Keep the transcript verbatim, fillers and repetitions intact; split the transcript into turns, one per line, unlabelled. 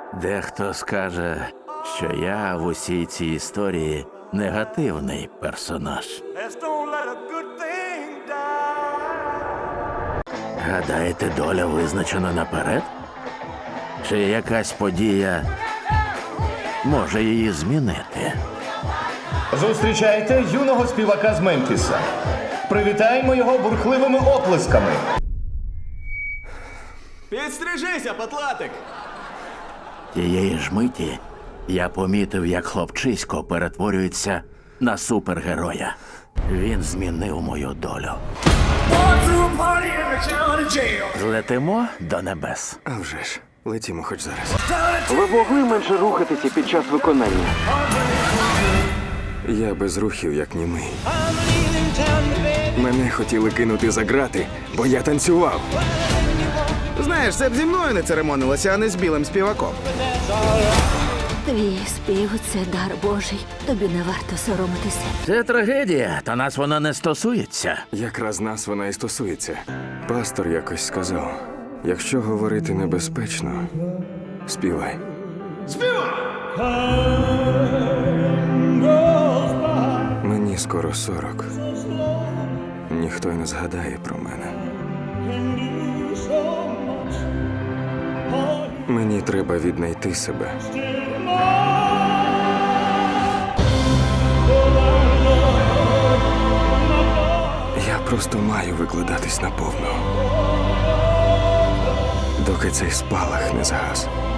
Дехто скаже, що я в усій цій історії негативний персонаж.
Let's don't let a good thing die.
Гадаєте, доля визначена наперед? Чи якась подія може її змінити?
Зустрічайте юного співака з Мемфіса. Привітаємо його бурхливими оплесками.
Підстрижися, патлатик!
Тієї ж миті я помітив, як хлопчисько перетворюється на супергероя. Він змінив мою долю. Злетимо до небес.
А вже ж, летімо хоч зараз.
Ви могли менше рухатися під час виконання?
Я без рухів, як німий. Мене хотіли кинути за грати, бо я танцював.
Знаєш, це б зі мною не церемонилося, а не з білим співаком.
Твій спів – це дар Божий. Тобі не варто соромитися.
Це трагедія, та нас вона не стосується.
Якраз нас вона і стосується. Пастор якось сказав, якщо говорити небезпечно, співай. Співай! Мені скоро сорок. Ніхто й не згадає про мене. Мені треба віднайти себе. Я просто маю викладатись наповну, доки цей спалах не згас.